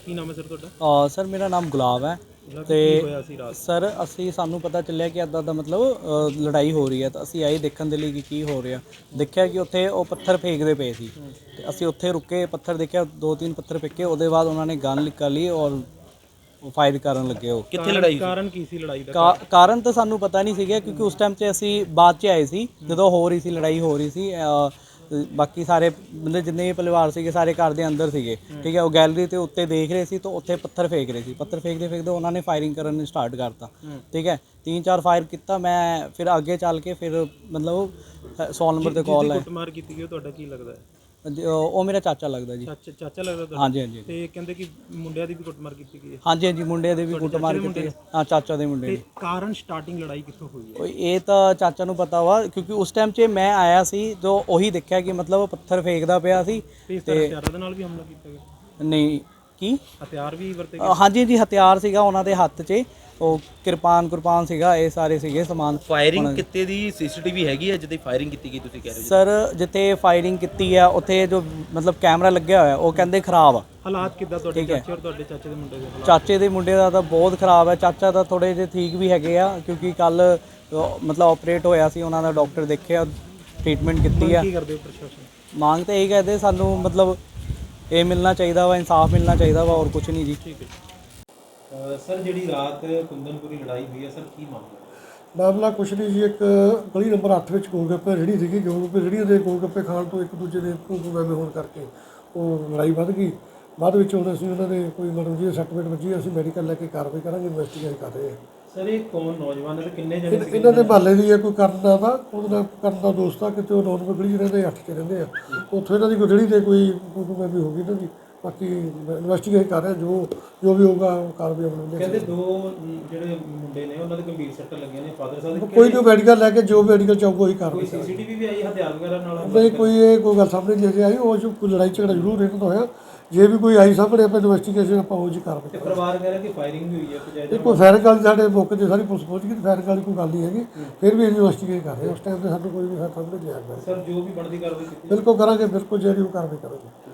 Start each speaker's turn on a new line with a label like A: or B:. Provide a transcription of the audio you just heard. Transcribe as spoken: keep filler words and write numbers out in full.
A: ਕੀ ਨਾਮ ਹੈ ਸਰ ਤੁਹਾਡਾ?
B: ਅ, ਸਰ ਮੇਰਾ ਨਾਮ ਗੁਲਾਬ ਹੈ
A: ਮਤਲਬ
B: ਤੇ
A: ਕੀ ਹੋਇਆ ਸੀ ਰਾਤ?
B: ਸਰ ਅਸੀਂ ਸਾਨੂੰ ਪਤਾ ਚੱਲਿਆ ਕਿ ਇੱਦਾਂ ਦਾ ਮਤਲਬ ਅ, ਲੜਾਈ ਹੋ ਰਹੀ ਹੈ ਤਾਂ ਅਸੀਂ ਆਏ ਦੇਖਣ ਦੇ ਲਈ ਕਿ ਕੀ ਹੋ ਰਿਹਾ। ਦੇਖਿਆ ਕਿ ਉੱਥੇ ਉਹ ਪੱਥਰ ਫੇਂਕਦੇ ਪਏ ਸੀ ਤੇ ਅਸੀਂ ਉੱਥੇ ਰੁਕੇ, ਪੱਥਰ ਦੇਖਿਆ, ਦੋ ਤਿੰਨ ਪੱਥਰ ਫੇਂਕੇ। ਉਹਦੇ ਬਾਅਦ ਉਹਨਾਂ ਨੇ ਗਨ ਨਿਕਾਲ ਲਈ ਔਰ ਫਾਇਰ ਕਰਨ ਲੱਗੇ। ਉਹ
A: ਕਿੱਥੇ ਲੜਾਈ? ਕਾਰਨ ਕੀ ਸੀ ਲੜਾਈ ਦਾ?
B: ਕਾ- ਕਾਰਨ ਤਾਂ ਸਾਨੂੰ ਪਤਾ ਨਹੀਂ ਸੀਗਾ ਕਿਉਂਕਿ ਉਸ ਟਾਈਮ 'ਚ ਅਸੀਂ ਬਾਅਦ 'ਚ ਆਏ ਸੀ ਜਦੋਂ ਹੋ ਰਹੀ ਸੀ ਲੜਾਈ ਹੋ ਰਹੀ ਸੀ। ਅ, ਬਾਕੀ ਸਾਰੇ ਮਤਲਬ ਜਿੰਨੇ ਵੀ ਪਰਿਵਾਰ ਸੀਗੇ ਸਾਰੇ ਘਰ ਦੇ ਅੰਦਰ ਸੀਗੇ, ਠੀਕ ਹੈ। ਉਹ ਗੈਲਰੀ ਤੇ ਉੱਤੇ ਦੇਖ ਰਹੇ ਸੀ ਤਾਂ ਉੱਥੇ ਪੱਥਰ ਫੇਂਕ ਰਹੇ ਸੀ। ਪੱਥਰ ਫੇਂਕਦੇ ਫੇਂਕਦੇ ਉਹਨਾਂ ਨੇ ਫਾਇਰਿੰਗ ਕਰਨ ਸਟਾਰਟ ਕਰਤਾ, ਠੀਕ ਹੈ। ਤਿੰਨ ਚਾਰ ਫਾਇਰ ਕੀਤਾ। ਮੈਂ ਫਿਰ ਅੱਗੇ ਚੱਲ ਕੇ ਫਿਰ ਮਤਲਬ ਸੌ ਨੰਬਰ ਤੇ ਕਾਲ ਹੈ।
A: ਕੁੱਟਮਾਰ ਕੀਤੀ ਗਈ ਉਹ ਤੁਹਾਡਾ ਕੀ ਲੱਗਦਾ ਹੈ?
B: ਉਹ ਮੇਰਾ ਚਾਚਾ ਲੱਗਦਾ ਜੀ।
A: ਚਾਚਾ ਚਾਚਾ ਲੱਗਦਾ ਤੁਹਾਡਾ?
B: ਹਾਂਜੀ ਹਾਂਜੀ
A: ਤੇ ਕਹਿੰਦੇ ਕਿ ਮੁੰਡਿਆਂ ਦੀ ਵੀ ਕੁੱਟਮਾਰ ਕੀਤੀ ਗਈ ਹੈ?
B: ਹਾਂਜੀ ਹਾਂਜੀ ਮੁੰਡੇ ਦੇ ਵੀ ਕੁੱਟਮਾਰ ਕੀਤੀ। ਹਾਂ, ਚਾਚਾ ਦੇ ਮੁੰਡੇ
A: ਤੇ
B: ਦੀ।
A: ਕਾਰਨ ਸਟਾਰਟਿੰਗ ਲੜਾਈ ਕਿੱਥੋਂ ਹੋਈ ਹੈ?
B: ਉਹ ਇਹ ਤਾਂ ਚਾਚਾ ਨੂੰ ਪਤਾ ਵਾ ਕਿਉਂਕਿ ਉਸ ਟਾਈਮ 'ਚ ਮੈਂ ਆਇਆ ਸੀ ਜੋ ਉਹੀ ਦੇਖਿਆ ਕਿ ਮਤਲਬ ਉਹ ਪੱਥਰ ਫੇਂਕਦਾ ਪਿਆ ਸੀ।
A: ਤੇ ਇਸ ਤਰ੍ਹਾਂ ਹਥਿਆਰਾਂ ਦੇ ਨਾਲ ਵੀ ਹਮਲਾ ਕੀਤਾ ਗਿਆ?
B: ਨਹੀਂ ਕੀ
A: ਹਥਿਆਰ ਵੀ ਵਰਤੇ
B: ਅ, ਹਾਂਜੀ ਜੀ ਹਥਿਆਰ ਸੀਗਾ ਉਹਨਾਂ ਦੇ ਹੱਥ 'ਚ। ਉਹ ਕਿਰਪਾਨ ਕੁਰਪਾਨ ਸੀਗਾ, ਇਹ ਸਾਰੇ ਸੀਗੇ ਸਮਾਨ।
C: ਫਾਇਰਿੰਗ ਕਿਤੇ ਦੀ ਸੀਸੀਟੀਵੀ ਹੈਗੀ ਹੈ ਜਿੱਥੇ ਫਾਇਰਿੰਗ ਕੀਤੀ ਗਈ ਤੁਸੀਂ ਕਹਿ ਰਹੇ ਹੋ?
B: ਸਰ ਜਿੱਥੇ ਫਾਇਰਿੰਗ ਕੀਤੀ ਆ ਉੱਥੇ ਜੋ ਮਤਲਬ ਕੈਮਰਾ ਲੱਗਿਆ ਹੋਇਆ ਉਹ ਕਹਿੰਦੇ ਖਰਾਬ ਆ।
A: ਹਾਲਾਤ ਕਿੱਦਾਂ ਤੁਹਾਡੇ ਚਾਚੇ ਔਰ ਤੁਹਾਡੇ ਚਾਚੇ ਦੇ ਮੁੰਡੇ ਦੇ ਹਾਲਾਤ?
B: ਚਾਚੇ ਦੇ ਮੁੰਡੇ ਦਾ ਤਾਂ ਬਹੁਤ ਖਰਾਬ ਹੈ। ਚਾਚਾ ਤਾਂ ਥੋੜੇ ਜਿਹੇ ਠੀਕ ਵੀ ਹੈਗੇ ਆ ਕਿਉਂਕਿ ਕੱਲ ਮਤਲਬ ਆਪਰੇਟ ਹੋਇਆ ਸੀ, ਉਹਨਾਂ ਦਾ ਡਾਕਟਰ ਦੇਖਿਆ, ਟ੍ਰੀਟਮੈਂਟ ਕੀਤੀ ਆ।
A: ਕੀ ਕਰਦੇ ਹੋ ਪ੍ਰਸ਼ਾਸਨ?
B: ਮੰਗ ਤਾਂ ਇਹੀ ਕਰਦੇ ਸਾਨੂੰ ਮਤਲਬ ਇਹ ਮਿਲਣਾ ਚਾਹੀਦਾ ਵਾ, ਇਨਸਾਫ ਮਿਲਣਾ ਚਾਹੀਦਾ ਵਾ, ਹੋਰ ਕੁਝ ਨਹੀਂ ਜੀ।
A: ਠੀਕ ਹੈ ਸਰ, ਜਿਹੜੀ ਰਾਤ ਕੁੰਦਨਪੁਰੀ ਲੜਾਈ ਹੋਈ ਹੈ ਸਰ, ਕੀ ਮਾਮਲਾ?
D: ਮਾਮਲਾ ਕੁਛ ਨਹੀਂ ਜੀ। ਇੱਕ ਗਲੀ ਨੰਬਰ ਅੱਠ ਵਿੱਚ ਗੋਲਗੱਪੇ ਰੇਹੜੀ ਸੀਗੀ। ਗੋਲਗੱਪੇ ਰੇਹੜੀ ਦੇ ਗੋਲਗੱਪੇ ਖਾਣ ਤੋਂ ਇੱਕ ਦੂਜੇ ਦੇ ਤੂੰ ਮੈਂ ਹੋਣ ਕਰਕੇ ਉਹ ਲੜਾਈ ਵੱਧ ਗਈ। ਬਾਅਦ ਵਿੱਚ ਹੁਣ ਅਸੀਂ ਉਹਨਾਂ ਦੇ ਕੋਈ ਮਤਲਬ ਜੀ ਸਰਟੀਫਿਕੇਟ ਵੱਜੀ, ਅਸੀਂ ਮੈਡੀਕਲ ਲੈ ਕੇ ਕਾਰਵਾਈ ਕਰਾਂਗੇ, ਇਨਵੈਸਟੀਗੇਟ ਕਰ ਰਹੇ ਹਾਂ।
A: ਸਰ ਇਹ ਕੌਣ ਨੌਜਵਾਨ ਹੈ, ਕਿੰਨੇ ਜਣੇ ਸੀ?
D: ਇਹਨਾਂ ਦੇ ਮਹੱਲੇ ਦੀ ਹੈ ਕੋਈ ਕਰਨ ਦਾ ਦਾ ਉਹਦੇ ਨਾਲ ਕਰਨ ਦਾ ਦੋਸਤ ਆ, ਕਿਤੇ ਉਹ ਨੌ ਨੰਬਰ ਗਲੀ 'ਚ ਰਹਿੰਦੇ, ਅੱਠ 'ਚ ਰਹਿੰਦੇ ਆ। ਉੱਥੋਂ ਇਹਨਾਂ ਦੀ ਕੋਈ ਰੇਹੜੀ 'ਤੇ ਕੋਈ ਕੋਈ ਵੀ ਹੋ ਗਈ ਇਹਨਾਂ ਦੀ। ਬਾਕੀ ਇਨਵੈਸਟੀਗੇਟ ਕਰ ਰਹੇ, ਜੋ ਜੋ ਵੀ ਹੋਊਗਾ ਕਾਰਵਾਈ ਅਮਲ
A: ਕਹਿੰਦੇ ਦੋ ਜਿਹੜੇ ਮੁੰਡੇ ਨੇ ਉਹਨਾਂ ਦੇ ਗੰਭੀਰ ਸੱਟ ਲੱਗੀਆਂ ਨੇ, ਫਾਦਰ ਸਾਹਿਬ ਦੇ।
D: ਕੋਈ ਜੋ ਮੈਡੀਕਲ ਲੈ ਕੇ ਜੋ ਮੈਡੀਕਲ ਚਾਹੂਗਾ ਉਹੀ ਕਾਰਵਾਈ।
A: ਕੋਈ ਸੀਸੀਟੀਵੀ ਵੀ ਆਈ ਹਥਿਆਰ ਵਗੈਰਾ ਨਾਲ?
D: ਨਹੀਂ, ਕੋਈ ਇਹ ਕੋਈ ਗੱਲ ਸਾਹਮਣੇ ਨਹੀਂ ਆਈ। ਉਹ ਜੋ ਕੋਈ ਲੜਾਈ ਝਗੜਾ ਜ਼ਰੂਰ ਇਹਨਾਂ ਦਾ ਹੋਇਆ। ਜੇ ਵੀ ਕੋਈ ਆਈ ਸਾਹਮਣੇ ਆਪਾਂ ਇਨਵੈਸਟੀਗੇਸ਼ਨ ਆਪਾਂ ਉਹ ਜੀ ਕਾਰਵਾਈ ਕਰਾਂਗੇ।
A: ਪਰਿਵਾਰ ਕਹਿ ਰਿਹਾ ਕਿ ਫਾਇਰਿੰਗ ਵੀ ਹੋਈ ਹੈ
D: ਇਹ ਕੋਈ ਫਾਇਰਿੰਗ ਵਾਲੀ ਸਾਡੇ ਮੌਕੇ 'ਤੇ ਸਾਰੀ ਪੁਲਿਸ ਪਹੁੰਚ ਗਈ। ਫਾਇਰਿੰਗ ਵਾਲੀ ਕੋਈ ਗੱਲ ਨਹੀਂ ਹੈਗੀ। ਫਿਰ ਵੀ ਇਨਵੈਸਟੀਗੇਟ ਕਰ ਰਹੇ ਉਸ ਟਾਈਮ ਤੇ ਸਾਨੂੰ ਕੋਈ ਵੀ ਸਾਹਮਣੇ ਨਹੀਂ ਆਇਆ।
A: ਸਰ ਜੋ ਵੀ ਬਣਦੀ ਕਾਰਵਾਈ ਕੀਤੀ
D: ਬਿਲਕੁਲ ਕਰਾਂਗੇ, ਬਿਲਕੁਲ ਜਿਹੜੀ ਉਹ ਕਾਰਵਾਈ ਕਰਾਂਗੇ।